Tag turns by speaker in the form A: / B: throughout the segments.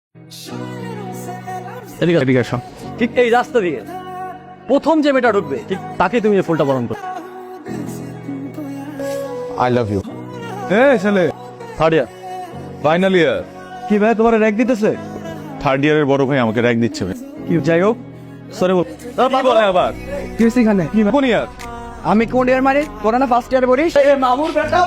A: এদিকে আসো। ঠিক এই রাস্তা দিয়ে প্রথম যে মেয়েটা ঢুকবে ঠিক তাকে তুমি এই ফুলটা বরণ করো।
B: I love you.
C: ছেলে
A: থার্ড ইয়ার
C: ফাইনাল ইয়ার।
A: কি ভাই তোমার র্যাক দিতেছে?
C: থার্ড ইয়ারের বড় ভাই আমাকে র্যাঙ্ক দিচ্ছে ভাই।
A: কি যাই হোক সরি বল।
C: কি বলে আবার?
D: কি হয়েছে এখানে?
C: কি কোন ইয়ার?
D: আমি কোন ইয়ার মানে তোরা না ফার্স্ট ইয়ার পড়িস?
A: মামুর বেটা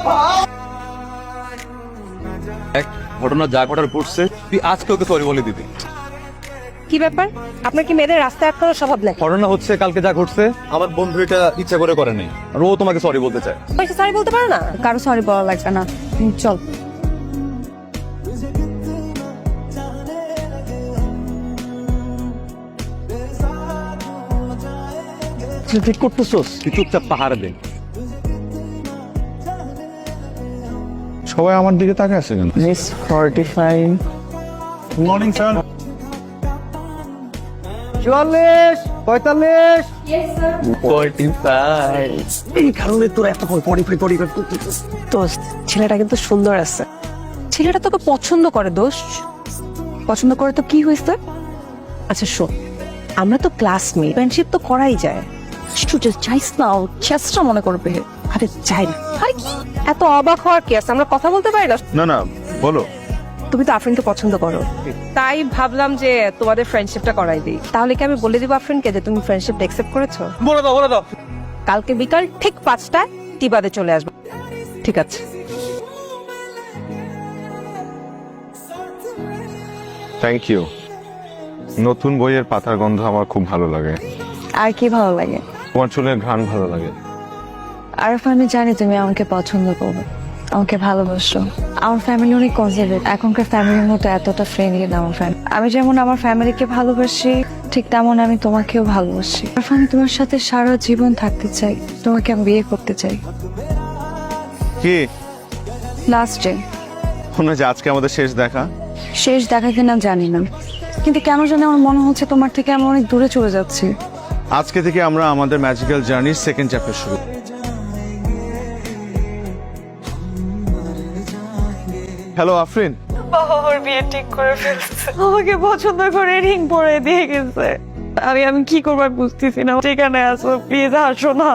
C: এক ঘটনা যা ঘটার ঘটছে তুই আজকে ওকে সরি বলে দিবি।
E: কি ব্যাপার? আপনার কি মেয়েদের রাস্তায় আটকানোর স্বভাব নাকি?
C: ঘটনা হচ্ছে কালকে যা ঘটছে আমার বন্ধু এটা ইচ্ছা করে নাই, আর ও তোমাকে সরি বলতে চায়।
E: পয়সা সরি বলতে পারো না?
F: কারো সরি বলা লাগবে না, চল।
A: ঠিক করতেছোস?
C: তুই চুপচাপ পাহাড়ে দে। সবাই আমার দিকে তাকে আছে কেন?
D: Miss 45
C: morning sir.
D: 44 45
A: এই কারণে তোরা এত পরিফাই
E: দোস্ত, ছেলেটা কিন্তু সুন্দর আছে। ছেলেটা তোকে পছন্দ করে দোস্ত।
F: পছন্দ করে তো কি হয়েছে?
E: আচ্ছা শোন, আমরা তো ক্লাসমেট, ফ্রেন্ডশিপ তো করাই যায়।
F: স্টুডেন্ট চাইস না, ও চেষ্টা মনে করবে।
E: আরে যাই না। আরে কি এত অবাক হওয়ার কি আছে? আমরা কথা বলতে পারি না?
C: না বলো।
E: তুমি তো আফরিনকে পছন্দ করো, তাই ভাবলাম যে তোমাদের ফ্রেন্ডশিপটা করাই দিই। তাহলে কি আমি বলে দিব আফরিনকে যে তুমি ফ্রেন্ডশিপটা অ্যাকসেপ্ট করেছো?
C: বলে দাও।
E: কালকে বিকাল ঠিক 5টায় টিবাদে চলে আসবে। ঠিক আছে?
B: Thank you. নতুন বইয়ের পাতার গন্ধ আমার খুব ভালো লাগে।
F: আর কি ভালো লাগে?
B: তোমার চুলের ঘ্রাণ ভালো লাগে।
F: আরফ, আমি জানি তুমি আমাকে পছন্দ করবে, আমাকে ভালোবাসো। আমার ফ্যামিলি অনেক কনজারভেটিভ, এখনকার ফ্যামিলির মতো এতটা ফ্রেন্ডলি না আমার ফ্যামিলি। আমি যেমন আমার ফ্যামিলিকে ভালোবাসি, ঠিক তেমন আমি তোমাকেও ভালোবাসি। আরফ, আমি তোমার সাথে সারা জীবন থাকতে চাই, তোমাকে আমি বিয়ে করতে চাই।
B: কি
F: লাস্ট ডে,
B: মনে হয় যে আজকে আমাদের শেষ দেখা।
F: শেষ দেখা কিনা জানি না, কিন্তু কেন জানি আমার মনে হচ্ছে তোমার থেকে আমি অনেক দূরে চলে যাচ্ছি।
B: আজকে থেকে আমরা আমাদের ম্যাজিক্যাল জার্নির সেকেন্ড চ্যাপ্টার শুরু। হ্যালো আফরিন।
G: ওর বিয়ে ঠিক করে ফেলছে, আমাকে পছন্দ করে রিং পরে দিয়ে গেছে। আমি কি করবার বুঝতেছি না। যেখানে আসো প্লিজ আসো না।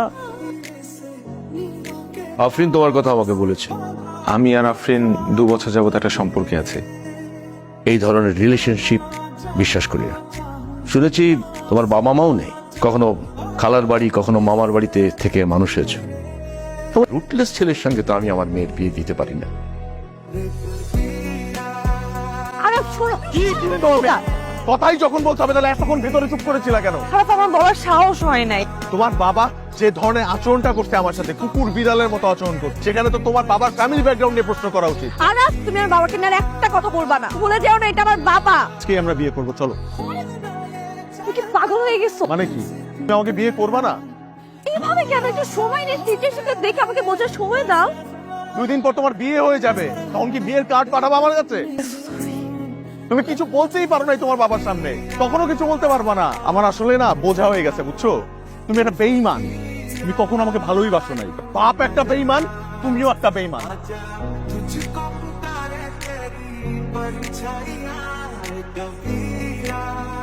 B: আফরিন তোমার কথা আমাকে বলেছে। আমি আর আফরিন 2 বছর যাবত একটা সম্পর্কে আছে।
H: এই ধরনের রিলেশনশিপ বিশ্বাস করি না। শুনেছি তোমার বাবা মাও নেই, কখনো খালার বাড়ি কখনো মামার বাড়িতে থেকে মানুষ হয়েছে। তোমার রুটলেস ছেলের সঙ্গে তো আমি আমার মেয়ের বিয়ে দিতে পারি না।
E: আরে শোনো,
B: কথাই যখন বলতে হবে তাহলে এতক্ষণ ভেতরে চুপ করেছিল কেন?
G: খারাপ আমার বলার সাহস হয় নাই।
B: তোমার বাবা যে ধরনের আচরণটা করছে আমার সাথে, কুকুর বিড়ালের মতো আচরণ করছে, সেখানে তো তোমার বাবার ফ্যামিলি ব্যাকগ্রাউন্ড নিয়ে প্রশ্ন করা উচিত।
E: আরাস, তুমি আমার বাবাকে নিয়ে আর একটা কথা বলবা না। ভুলে যাও না এটা আমার বাবা।
B: আজকে আমরা বিয়ে করবো, চলো।
E: তুমি কি পাগল হয়ে গেছো?
B: মানে কি, তুমি আমাকে বিয়ে করবা না?
E: এইভাবে কেন? একটু সময় নিয়ে সিচুয়েশনটা দেখে আমাকে বোঝার সময় দাও।
B: 2 দিন পর তোমার বিয়ে হয়ে যাবে, তখন কি বিয়ের কার্ড পাঠাবো আমার কাছে? তুমি কিছু বলতেই পারো নাই তোমার বাবার সামনে, কখনো কিছু বলতে পারবা না। আমার আসলে না বোঝা হয়ে গেছে, বুঝছো? তুমি একটা বেঈমান, তুমি কখনো আমাকে ভালোই বাসো নাই। বাপ একটা বেঈমান, তুমিও একটা বেঈমান।
I: तुझको पुकारे तेरी परछाइयां कभी